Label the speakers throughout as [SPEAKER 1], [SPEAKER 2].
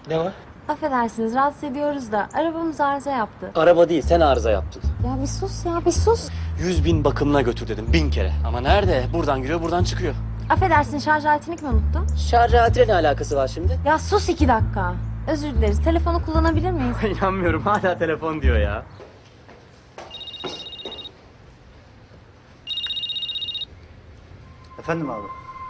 [SPEAKER 1] Ne var?
[SPEAKER 2] Affedersiniz rahatsız ediyoruz da arabamız arıza yaptı.
[SPEAKER 1] Araba değil, sen arıza yaptın.
[SPEAKER 2] Ya bir sus ya bir sus.
[SPEAKER 1] 100.000 bakımına götür dedim 1000 kere. Ama nerede? Buradan giriyor, buradan çıkıyor.
[SPEAKER 2] Affedersin şarj aletini mi unuttun?
[SPEAKER 1] Şarj aletiyle ne alakası var şimdi?
[SPEAKER 2] Ya sus 2 dakika. Özür dileriz. Telefonu kullanabilir miyiz?
[SPEAKER 1] İnanmıyorum, hala telefon diyor ya.
[SPEAKER 3] Efendim abi.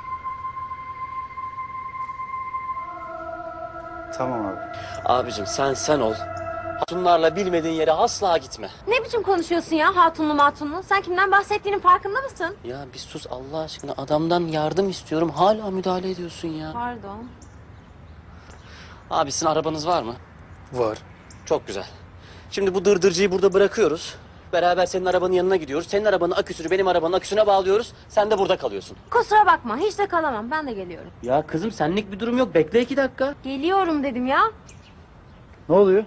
[SPEAKER 3] Tamam abi.
[SPEAKER 1] Abicim sen ol. Hatunlarla bilmediğin yere asla gitme.
[SPEAKER 2] Ne biçim konuşuyorsun ya hatunlu matunlu? Sen kimden bahsettiğinin farkında mısın?
[SPEAKER 1] Ya bir sus Allah aşkına, adamdan yardım istiyorum, hala müdahale ediyorsun ya.
[SPEAKER 2] Pardon.
[SPEAKER 1] Abi sizin arabanız var mı?
[SPEAKER 3] Var.
[SPEAKER 1] Çok güzel. Şimdi bu dırdırcıyı burada bırakıyoruz. Beraber senin arabanın yanına gidiyoruz. Senin arabanın aküsünü benim arabanın aküsüne bağlıyoruz. Sen de burada kalıyorsun.
[SPEAKER 2] Kusura bakma hiç de kalamam. Ben de geliyorum.
[SPEAKER 1] Ya kızım senlik bir durum yok. Bekle 2 dakika.
[SPEAKER 2] Geliyorum dedim ya.
[SPEAKER 3] Ne oluyor?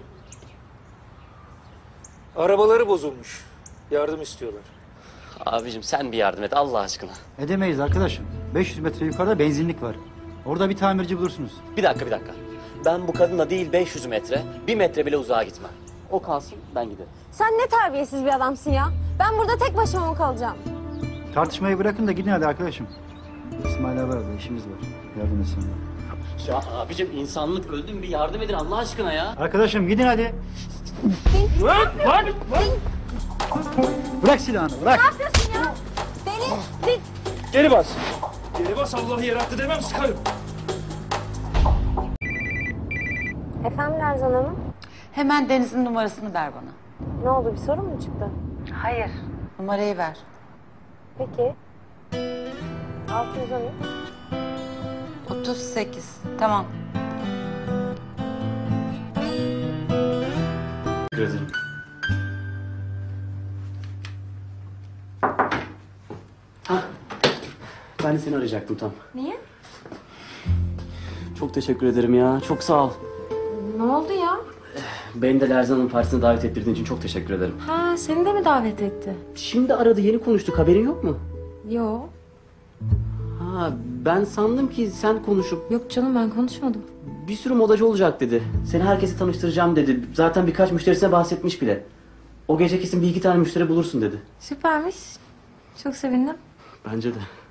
[SPEAKER 4] Arabaları bozulmuş. Yardım istiyorlar.
[SPEAKER 1] Abicim sen bir yardım et Allah aşkına.
[SPEAKER 3] Edemeyiz arkadaşım. 500 metre yukarıda benzinlik var. Orada bir tamirci bulursunuz.
[SPEAKER 1] Bir dakika. Ben bu kadınla değil 500 metre, 1 metre bile uzağa gitmem. O kalsın, ben giderim.
[SPEAKER 2] Sen ne terbiyesiz bir adamsın ya. Ben burada tek başıma mı kalacağım?
[SPEAKER 3] Tartışmayı bırakın da gidin hadi arkadaşım. İsmail abi arada işimiz var. Yardım etsin.
[SPEAKER 1] Ya abicim insanlık öldüm, bir yardım edin Allah aşkına ya.
[SPEAKER 3] Arkadaşım gidin hadi. Bırak silahını bırak.
[SPEAKER 2] Ne yapıyorsun ya? Deli.
[SPEAKER 4] Geri bas. Geri bas, Allah yarattı demem, sıkarım.
[SPEAKER 2] Efendim Lerzan Hanım?
[SPEAKER 5] Hemen Deniz'in numarasını ver bana.
[SPEAKER 2] Ne oldu bir sorun mu çıktı?
[SPEAKER 5] Hayır. Numarayı ver.
[SPEAKER 2] Peki. 613.
[SPEAKER 5] 38. Tamam.
[SPEAKER 1] Teşekkür ederim. Ben de seni arayacaktım tam.
[SPEAKER 2] Niye?
[SPEAKER 1] Çok teşekkür ederim ya, çok sağ ol.
[SPEAKER 2] Ne oldu ya?
[SPEAKER 1] Beni de Lerzan'ın partisine davet ettirdiğin için çok teşekkür ederim.
[SPEAKER 2] Ha seni de mi davet etti?
[SPEAKER 1] Şimdi aradı, yeni konuştuk, haberin yok mu?
[SPEAKER 2] Yo.
[SPEAKER 1] Ha, ben sandım ki sen konuşup
[SPEAKER 2] Yok canım ben konuşmadım.
[SPEAKER 1] bir sürü modacı olacak dedi. Seni herkese tanıştıracağım dedi. Zaten birkaç müşterisine bahsetmiş bile. O gece kesin 1-2 tane müşteri bulursun dedi.
[SPEAKER 2] Süpermiş. Çok sevindim.
[SPEAKER 1] Bence de.